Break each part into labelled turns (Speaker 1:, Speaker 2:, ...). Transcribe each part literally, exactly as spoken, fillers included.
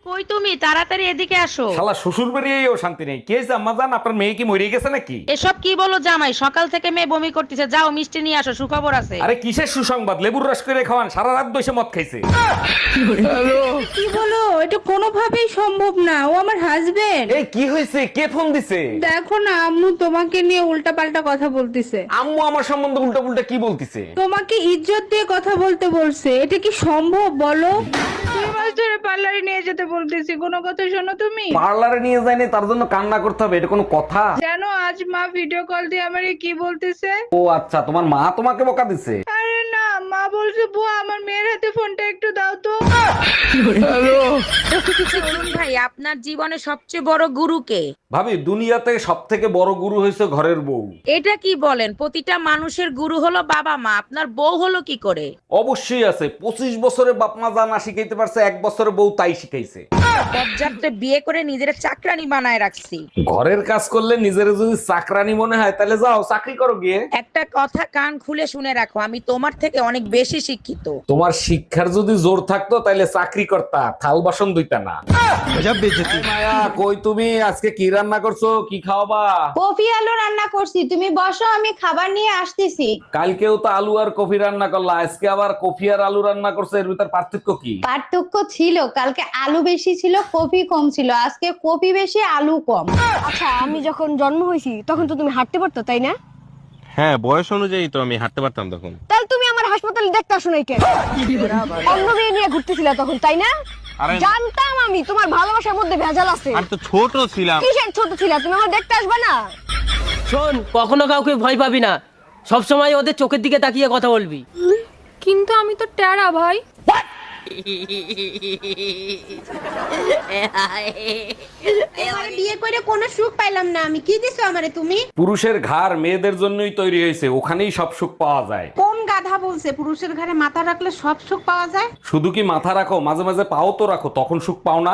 Speaker 1: কই তুমি তাড়াতাড়ি এদিকে আসো।
Speaker 2: শালা শ্বশুর বাড়িয়েও শান্তি নেই। কে হয়েছে আম্মা জান? আপনার মেয়ে কি মরে গেছে নাকি?
Speaker 1: এসব কি বলো জামাই, সকাল থেকে মেয়ে বমি করতেছে, যাও মিষ্টি নিয়ে আসো, সুখবর আছে।
Speaker 2: আরে কিসের সুসংবাদ? লেবুর রস করে খাওয়ান, সারা রাত বসে মদ খাইছে।
Speaker 3: কি বলো? এটা কোনোভাবেই সম্ভব না, ও আমার হাজবেন্ড।
Speaker 2: এই কি হয়েছে? কে ফোন দিছে?
Speaker 3: দেখো না, আম্মু তোমাকে নিয়ে উল্টা পাল্টা কথা বলতিছে।
Speaker 2: আম্মু আমার সম্বন্ধে উল্টা পুল্টা কি বলতিছে?
Speaker 3: তোমাকে ইজ্জত দিয়ে কথা বলতে বলছে, এটা কি সম্ভব বলো? দুই মাস ধরে পার্লারে নিয়ে যেতে বলতেছি, কোনো কথা শোনো তুমি?
Speaker 2: পার্লারে নিয়ে যায়নি তার জন্য কান্না করতে হবে, এটা কোনো কথা?
Speaker 3: জানো আজ মা ভিডিও কল দিয়ে আমারে কি বলতেছে?
Speaker 2: ও আচ্ছা, তোমার মা তোমাকে বকা দিছে?
Speaker 3: আরে না, মা বলছে বুয়া আমার মেয়ের হাতে ফোনটা একটু দাও তো।
Speaker 1: অরুণ ভাই, আপনার জীবনে সবচেয়ে বড় গুরু কে?
Speaker 2: ভাবি, দুনিয়াতে সব থেকে বড় গুরু হয়েছে ঘরের বউ।
Speaker 1: এটা কি বলেন? প্রতিটা মানুষের গুরু হলো বাবা মা, আপনার বউ হলো কি করে?
Speaker 2: অবশ্যই আছে। পঁচিশ বছরে বাপ মা যা না শিখাইতে পারছে, এক বছরে বউ তাই শিখাইছে।
Speaker 1: পর্যাপ্ত বিয়ে করে নিজের চাকরানি বানায় রাখছি।
Speaker 2: ঘরের কাজ করলে নিজের যদি চাকরানি মনে হয় তাহলে যাও চাকরি করো গিয়ে।
Speaker 1: একটা কথা কান খুলে শুনে রাখো, আমি তোমার থেকে অনেক বেশি শিক্ষিত।
Speaker 2: তোমার শিক্ষার যদি জোর থাকতো তাহলে চাকরি করতা, থাল বাসন ধুইতা না। এই মায়া, কই তুমি? আজকে কি রান্না করছো? কি খাওয়াবা?
Speaker 4: কফি আলু রান্না করছি, তুমি বসো আমি খাবার নিয়ে আসতেছি।
Speaker 2: কালকেও তো আলু আর কফি রান্না করলা, আজকে আবার কফি আর আলু রান্না করছো, এর ভিতর পার্থক্য কি?
Speaker 4: পার্থক্য ছিল, কালকে আলু বেশি ছিল কফি কম ছিল, আজকে কফি বেশি আলু কম।
Speaker 5: আচ্ছা, আমি যখন জন্ম হয়েছি তখন তো তুমি হাঁটতে পারতো, তাই না?
Speaker 6: হ্যাঁ, বয়স অনুযায়ী তো আমি হাঁটতে পারতাম তখন।
Speaker 5: তাহলে তুমি আমার হাসপাতালে দেখতে আসো নাই কেন? অন্য মেয়ে নিয়ে ঘুরতেছিলা তখন, তাই না?
Speaker 6: আরে
Speaker 5: জানতাম আমি তোমার ভালোবাসার মধ্যে ভেজাল আছে।
Speaker 6: আমি তো ছোট ছিলাম।
Speaker 5: কিসের ছোট ছিলা? তুমি আমার দেখতে আসবে না?
Speaker 7: শোন, কখনো কাউকে ভয় পাবি না, সব সময় ওদের চোখের দিকে তাকিয়ে কথা বলবি।
Speaker 5: কিন্তু আমি তো টেরা ভাই।
Speaker 4: এবারে বিয়ে করে কোনো সুখ পাইলাম না আমি, কি দিছো আমারে তুমি?
Speaker 2: পুরুষের ঘাড় মেয়েদের জন্যই তৈরি হয়েছে, ওখানেই সব সুখ পাওয়া যায়।
Speaker 4: কোন গাধা বলছে পুরুষের ঘরে মাথা রাখলে সব সুখ পাওয়া যায়?
Speaker 2: শুধু কি মাথা রাখো, মাঝে মাঝে পাও তো রাখো, তখন সুখ পাও না?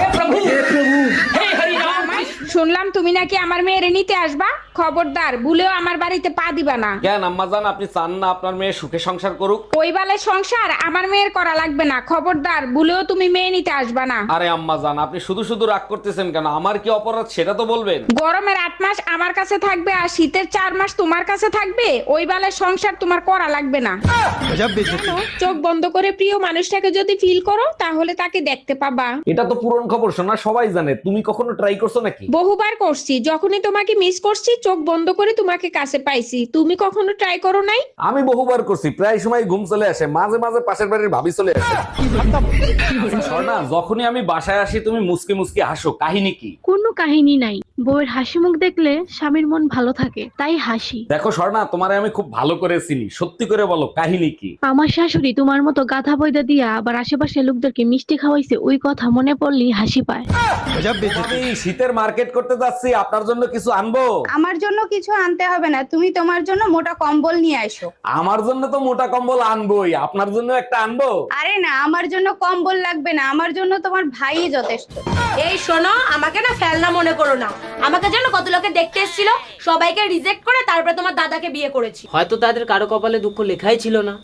Speaker 3: শুনলাম তুমি নাকি আমার মেয়েরে নিতে আসবা, খবরদার ভুলেও আমার বাড়িতে পা দিবা না।
Speaker 2: কেন আম্মা জান, আপনি চান না আপনার মেয়ে সুখে সংসার করুক?
Speaker 3: ওই বালের সংসার আমার মেয়ের করা লাগবে না, খবরদার ভুলেও তুমি মেয়ে নিতে আসবা না।
Speaker 2: আরে আম্মা জান, আপনি শুধু শুধু রাগ করতেছেন কেন? আমার কি অপরাধ সেটা তো বলবেন।
Speaker 3: গরমের আট মাস আমার কাছে থাকবে আর শীতের চার মাস তোমার কাছে থাকবে, ওই বালের সংসার তোমার করা লাগবে না। চোখ বন্ধ করে প্রিয় মানুষটাকে যদি ফিল করো তাহলে তাকে দেখতে পাবা।
Speaker 2: এটা তো পুরন খবর, শোনা সবাই জানে। তুমি কখনো ট্রাই করছো নাকি?
Speaker 3: বহুবার করছি, যখনই তোমাকে মিস করছি চোখ বন্ধ করে তোমাকে কাছে পাইছি, তুমি কখনো ট্রাই করো নাই?
Speaker 2: আমি বহুবার করছি, প্রায় সময় ঘুম চলে আসে, মাঝে মাঝে পাশের বাড়ির ভাবি চলে আসে। স্বর্ণা, যখনই আমি বাসায় আসি তুমি মুসকে মুসকে হাসো, কাহিনী কি?
Speaker 8: কোনো কাহিনী নাই, বউয়ের হাসি মুখ দেখলে স্বামীর মন ভালো থাকে, তাই হাসি।
Speaker 2: দেখো স্বর্ণা, তোমারে আমি খুব ভালো করে চিনি, সত্যি করে বলো কাহিনী কি?
Speaker 8: আমার শাশুড়ি তোমার মতো গাধা বইদা দিয়া আবার আশেপাশে লোকদেরকে মিষ্টি খাওয়াইছে, ওই কথা মনে পড়লেই হাসি পায়।
Speaker 2: আমি শীতের মার্কেট করতে যাচ্ছি, আপনার জন্য কিছু আনবো?
Speaker 4: আমার জন্য কিছু আনতে হবে না, তুমি তোমার জন্য মোটা কম্বল নিয়ে আসো।
Speaker 2: আমার জন্য তো মোটা কম্বল আনবোই, আপনার জন্য একটা আনবো?
Speaker 4: আরে না, আমার জন্য কম্বল লাগবে না, আমার জন্য তোমার ভাইই যথেষ্ট।
Speaker 5: এই শোনো, আমাকে না ফেলনা মনে করো না। আমাকে জানো কত লোকে দেখতে এসেছিল, সবাইকে রিজেক্ট করে তারপরে তোমার দাদাকে বিয়ে করেছি।
Speaker 7: হয়তো তাদের কারো কপালে দুঃখ লেখাই ছিল না।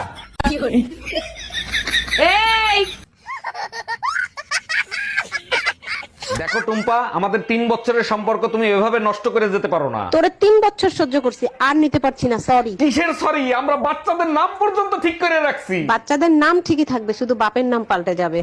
Speaker 5: এই
Speaker 2: দেখো টুম্পা, আমাদের তিন বছরের সম্পর্ক তুমি এভাবে নষ্ট করে যেতে পারো না।
Speaker 5: তোরে তিন বছর সহ্য করছি, আর নিতে পারছি না, সরি।
Speaker 2: কিসের সরি? আমরা বাচ্চাদের নাম পর্যন্ত ঠিক করে রাখছি।
Speaker 5: বাচ্চাদের নাম ঠিকই থাকবে, শুধু বাপের নাম পাল্টে যাবে।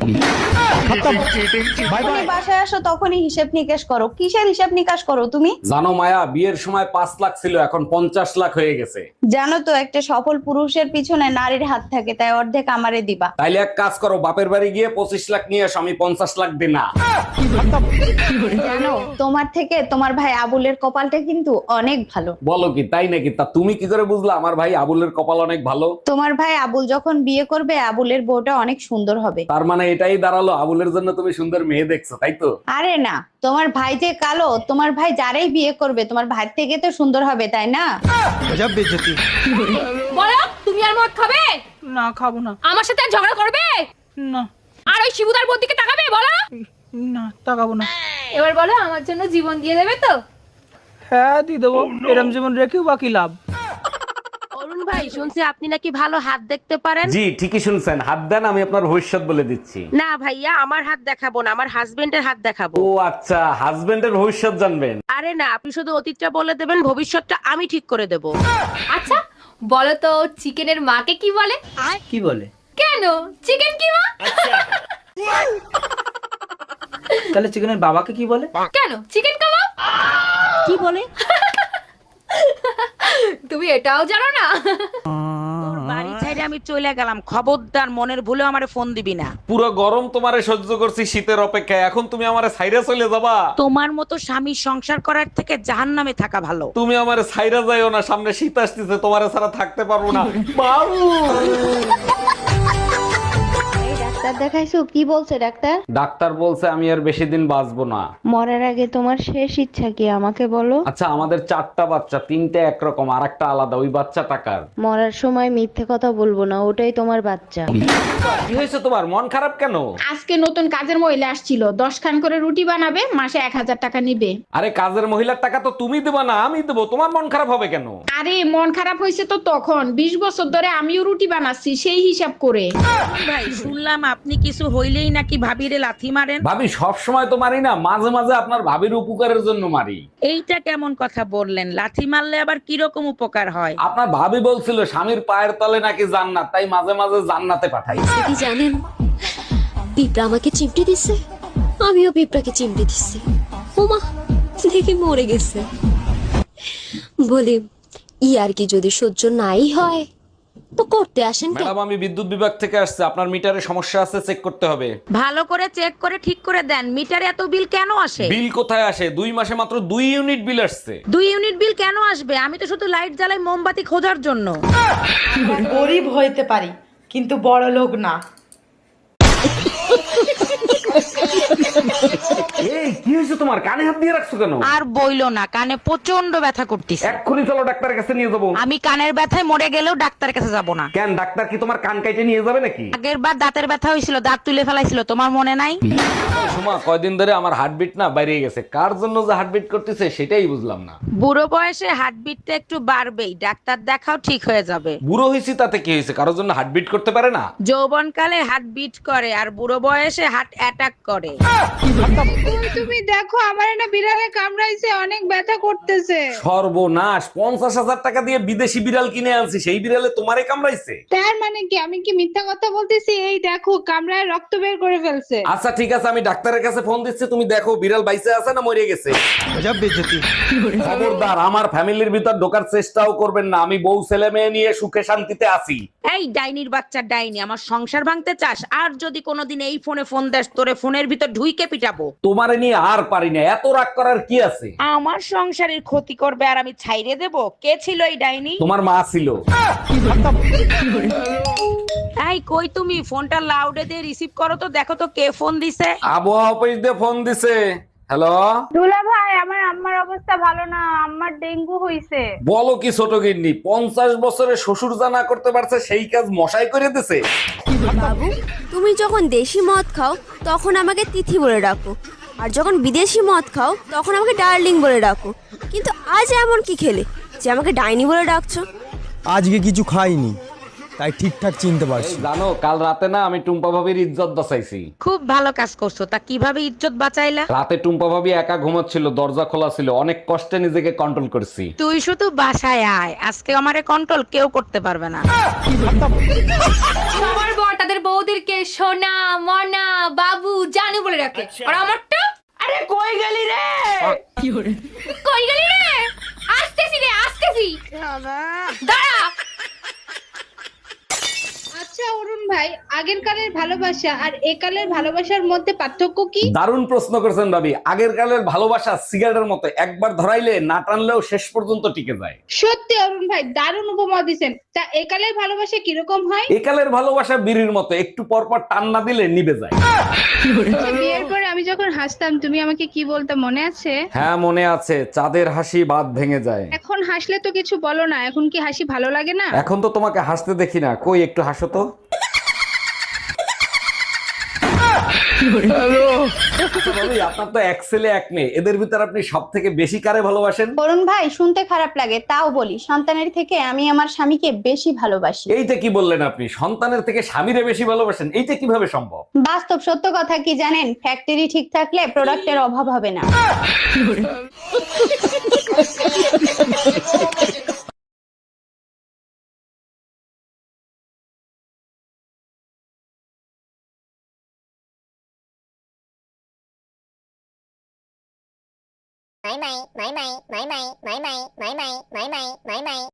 Speaker 4: তুমি বাসায় আসো তখনই হিসেব নিকেশ করো, কিসের হিসেব নিকাশ করো তুমি?
Speaker 2: জানো মায়া, বিয়ের সময় পাঁচ লাখ ছিল, এখন পঞ্চাশ লাখ হয়ে গেছে।
Speaker 4: জানো তো একটা সফল পুরুষের পিছনে নারীর হাত থাকে, তাই অর্ধেক আমারে দিবা।
Speaker 2: তাইলে এক কাজ করো, বাপের বাড়ি গিয়ে পঁচিশ লাখ নিয়ে আসো, আমি পঞ্চাশ লাখ দিই না।
Speaker 4: জানো তোমার থেকে তোমার ভাই আবুলের কপালটা কিন্তু অনেক ভালো।
Speaker 2: বলো কি, তাই নাকি? তা তুমি কি করে বুঝলা আমার ভাই আবুলের কপাল অনেক ভালো?
Speaker 4: তোমার ভাই আবুল যখন বিয়ে করবে আবুলের বউটা অনেক সুন্দর হবে।
Speaker 2: তার মানে এটাই দাঁড়ালো আবুলের জন্য তুমি সুন্দর মেয়ে দেখছো, তাই তো?
Speaker 4: আরে না, তোমার ভাই যে কালো, তোমার ভাই যারাই বিয়ে করবে তোমার ভাই থেকে তো সুন্দর হবে, তাই না?
Speaker 5: বলো, তুমি আর মদ খাবে?
Speaker 3: না খাবো না।
Speaker 5: আমার সাথে আর ঝগড়া করবে
Speaker 3: না
Speaker 5: আর ওই শিবুদার বোন দিকে তাকাবে? বলো
Speaker 3: না, তাকাবো না।
Speaker 5: এবার বলো, আমার জন্য জীবন দিয়ে দেবে তো?
Speaker 3: হ্যাঁ দিয়ে দেবো, এরম জীবন রেখেও বাকি লাভ।
Speaker 1: অরুণ ভাই শুনছি আপনি নাকি ভালো হাত দেখতে পারেন।
Speaker 2: জি ঠিকই শুনছেন, হাত দেন আমি আপনার ভবিষ্যৎ বলে দিচ্ছি।
Speaker 1: না ভাইয়া, আমার হাত দেখাবো না, আমার হাজবেন্ডের হাত দেখাবো।
Speaker 2: ও আচ্ছা, হাজবেন্ডের ভবিষ্যৎ জানবেন?
Speaker 1: আরে না, আপনি শুধু অতীতটা বলে দেবেন, ভবিষ্যৎটা আমি ঠিক করে দেব।
Speaker 9: আচ্ছা বলো তো চিকেনের মাকে কি বলে?
Speaker 7: কি বলে?
Speaker 9: কেন চিকেন কি মা?
Speaker 7: তাহলে চিকেনের বাবাকে কি বলে?
Speaker 9: কেন চিকেন কাবাব?
Speaker 1: কি বলে?
Speaker 9: তুমি এটাও জানো না?
Speaker 1: তোর বাড়ি ছেড়ে আমি চলে গেলাম, খবরদার মনের ভুলেও আমারে ফোন দিবি না।
Speaker 2: পুরো গরম তোমারে সহ্য করছি শীতের অপেক্ষায়, এখন তুমি আমারে ছাইরা চলে যাবা?
Speaker 1: তোমার মতো স্বামী সংসার করার থেকে জাহান্নামে থাকা ভালো।
Speaker 2: তুমি আমারে ছাইরা যাইও না, সামনে শীত আসতেছে, তোমারে ছাড়া থাকতে পারবো না। বাবু
Speaker 4: এই ডাক্তার দেখাইছো? কি বলছে ডাক্তার?
Speaker 2: ডাক্তার বলছে আমি আর বেশি দিন বাঁচবো না।
Speaker 4: মরার আগে তোমার শেষ ইচ্ছা কি আমাকে বলো?
Speaker 2: আচ্ছা আমাদের চারটা বাচ্চা, তিনটা একরকম আর একটা আলাদা, ওই বাচ্চা টাকার।
Speaker 4: মরার সময় মিথ্যে কথা বলবো না, ওটাই তোমার বাচ্চা।
Speaker 2: কি হয়েছে তোমার, মন খারাপ কেন?
Speaker 3: আজকে নতুন কাজের মহিলা আসছিল, দশ খান করে রুটি বানাবে, মাসে এক হাজার টাকা নিবে।
Speaker 2: আরে কাজের মহিলার টাকা তো তুমি দেবা না, আমি দেবো, তোমার মন খারাপ হবে কেন?
Speaker 3: আরে মন খারাপ হয়েছে তো তখন, বিশ বছর ধরে আমিও রুটি বানাচ্ছি সেই হিসাব করে।
Speaker 1: ভাই শুনলাম আপনি কিছু হইলেই নাকি ভাবিরে লাথি মারেন।
Speaker 2: ভাবি সব সময় তো মারি না, মাঝে মাঝে আপনার ভাবির উপকারের জন্য মারি।
Speaker 1: এইটা কেমন কথা বললেন? লাথি মারলে আবার কিরকম উপকার হয়?
Speaker 2: আপনার ভাবি বলছিল স্বামীর পায়ের তলে নাকি জান্নাত, তাই মাঝে মাঝে জান্নাতে পাঠাই।
Speaker 10: কি জানেন পিঁপড়া আমাকে চিমটি দিছে, আমিও পিঁপড়াকে চিমটি দিচ্ছি। ওমা দেখি মরে গেছে। বলি ই আর কি যদি সহ্য নাই হয় তো করতে আসেন কেন?
Speaker 2: ম্যাডাম আমি বিদ্যুৎ বিভাগ থেকে আসছে, আপনার মিটারে সমস্যা আছে, চেক করতে হবে।
Speaker 1: ভালো করে চেক করে ঠিক করে দেন, মিটারে এত বিল কেন আসে?
Speaker 2: বিল কোথায় আসে, দুই মাসে মাত্র দুই ইউনিট বিল আসছে।
Speaker 1: দুই ইউনিট বিল কেন আসবে? আমি তো শুধু লাইট জ্বালাই মোমবাতি খোঁজার জন্য।
Speaker 11: গরিব হইতে পারি কিন্তু বড় লোক না।
Speaker 2: এই কি হয়েছে তোমার, কানে হাত দিয়ে রাখছো কেন?
Speaker 1: আর বইলো না, কানে প্রচন্ড ব্যথা করতেছে।
Speaker 2: এক্ষুনি চলো ডাক্তারের কাছে নিয়ে যাবো।
Speaker 1: আমি কানের ব্যথায় মরে গেলেও ডাক্তারের কাছে যাব না।
Speaker 2: কেন, ডাক্তার কি তোমার কান কাইটে নিয়ে যাবে নাকি?
Speaker 1: আগের বার দাঁতের ব্যথা হয়েছিল, দাঁত তুলে ফেলাইছিল, তোমার মনে নাই?
Speaker 2: সুমা কয়দিন ধরে আমার হার্টবিট না বাইরে গেছে, কার জন্য যে হার্টবিট করতেছে সেটাই বুঝলাম না।
Speaker 1: বুড়ো বয়সে হার্টবিটটা একটু বাড়বেই, ডাক্তার দেখাও ঠিক হয়ে যাবে।
Speaker 2: বুড়ো হয়েছি তাতে কি হয়েছে, কারোর জন্য হার্টবিট করতে পারে না?
Speaker 1: যৌবনকালে হার্ট বিট করে আর বুড়ো বয়সে হার্ট অ্যাটাক করে।
Speaker 3: তুমি দেখো আমার না বিড়ালে কামড়াইছে, অনেক ব্যথা করতেছে।
Speaker 2: সর্বনাশ, পঞ্চাশ হাজার টাকা দিয়ে বিদেশি বিড়াল কিনে আনছি, সেই বিড়ালে তোমারে কামড়াইছে?
Speaker 3: তার মানে কি আমি কি মিথ্যা কথা বলতেছি? এই দেখো কামড়ায় রক্ত বের করে ফেলছে।
Speaker 2: আচ্ছা ঠিক আছে, আমি ডাক্তারের কাছে ফোন দিচ্ছি, তুমি দেখো বিড়াল বাইসে আছে না মরে গেছে। খবরদার আমার ফ্যামিলির ভিতর ঢোকার চেষ্টাও করবেন না, আমি বউ ছেলে মেয়ে নিয়ে সুখে শান্তিতে আছি।
Speaker 1: এই ডাইনির বাচ্চা ডাইনি, আমার সংসার ভাঙতে চাস? আর যদি কোনোদিন এই ফোনে ফোন দেস, তোরে ফোনের ভিতর ঢুইকে পিটাবো।
Speaker 2: তোমারে নিয়ে আর পারি না, এত রাগ করার কি আছে?
Speaker 1: আমার সংসারের ক্ষতি করবে আর আমি ছাইরে দেব? কে ছিল এই ডাইনি?
Speaker 2: তোমার মা ছিল।
Speaker 1: এই কই তুমি? ফোনটা লাউডে দিয়ে রিসিভ করো তো, দেখো তো কে ফোন দিছে।
Speaker 2: আবহাওয়া অফিস দিয়ে ফোন দিছে। হ্যালো
Speaker 3: দুলা ভাই, আমার আম্মার অবস্থা ভালো না, আম্মার ডেঙ্গু হইছে।
Speaker 2: বলো কি ছোট গিন্নি, পঞ্চাশ বছরে শ্বশুর যা না করতে পারছে সেই কাজ মশাই করে দিছে।
Speaker 10: বাবু তুমি যখন দেশি মদ খাও তখন আমাকে তিথি বলে ডাকো, আর যখন বিদেশি মদ খাও তখন আমাকে ডার্লিং বলে ডাকো, কিন্তু আজ এমন কি খেলে যে আমাকে ডাইনি বলে ডাকছো?
Speaker 12: আজকে কিছু খাইনি তাই ঠিকঠাক চিনতে পারছি।
Speaker 2: এই জানো কাল রাতে না আমি টুম্পা ভাবির ইজ্জত বাঁচাইছি।
Speaker 1: খুব ভালো কাজ করছো। তা কিভাবে ইজ্জত বাঁচাইলা?
Speaker 2: রাতে টুম্পা ভাবি একা ঘুমাচ্ছিল, দরজা খোলা ছিল, অনেক কষ্টে নিজেকে কন্ট্রোল করছি।
Speaker 1: তুই শুধু বাসায় আয়, আজকে আমারে কন্ট্রোল কেউ করতে পারবে না।
Speaker 9: সবার বর তাদের বউদেরকে সোনা মনা বাবু জানু বলে রাখে, আর আমারটা
Speaker 7: আরে কই গেলি রে?
Speaker 9: কই গেলি রে? আসতেছি রে, আসতেছি, দাঁড়া।
Speaker 3: আচ্ছা অরুণ ভাই, আগের কালের ভালোবাসা আর একালের ভালোবাসার মধ্যে পার্থক্য কি?
Speaker 2: দারুণ প্রশ্ন করেছেন ভাবি। আগের কালের ভালোবাসা সিগারেটের মতো, একবার ধরাইলে না টানলেও শেষ পর্যন্ত টিকে যায়।
Speaker 3: সত্যি অরুণ ভাই, দারুণ উপমা দিছেন। তা একালের ভালোবাসা কিরকম হয়?
Speaker 2: একালের ভালোবাসা বিড়ির মতো, একটু পর পর টান না দিলে নিভে যায়।
Speaker 3: বিয়ের পরে আমি যখন হাসতাম তুমি আমাকে কি বলতে মনে আছে?
Speaker 2: হ্যাঁ মনে আছে, চাঁদের হাসি বাদ ভেঙে যায়।
Speaker 3: এখন হাসলে তো কিছু বলো না, এখন কি হাসি ভালো লাগে না?
Speaker 2: এখন তো তোমাকে হাসতে দেখি না, কই একটু হাসো তো। আচ্ছা ভাবি, আপনার তো এক ছেলে এক মেয়ে, এদের ভিতর আপনি সব থেকে বেশি কারে ভালোবাসেন?
Speaker 4: অরুণ ভাই শুনতে খারাপ লাগে তাও বলি, সন্তানের থেকে আমি আমার স্বামীকে বেশি ভালোবাসি।
Speaker 2: এইটা কি বললেন আপনি? সন্তানের থেকে স্বামীরে বেশি ভালোবাসেন, এইটা কিভাবে সম্ভব?
Speaker 4: বাস্তব সত্য কথা কি জানেন, ফ্যাক্টরি ঠিক থাকলে প্রোডাক্টের অভাব হবে না।
Speaker 10: মাই মাই মাই মাই মাই মাই মাই মাই মাই মাই মাই মাই মাই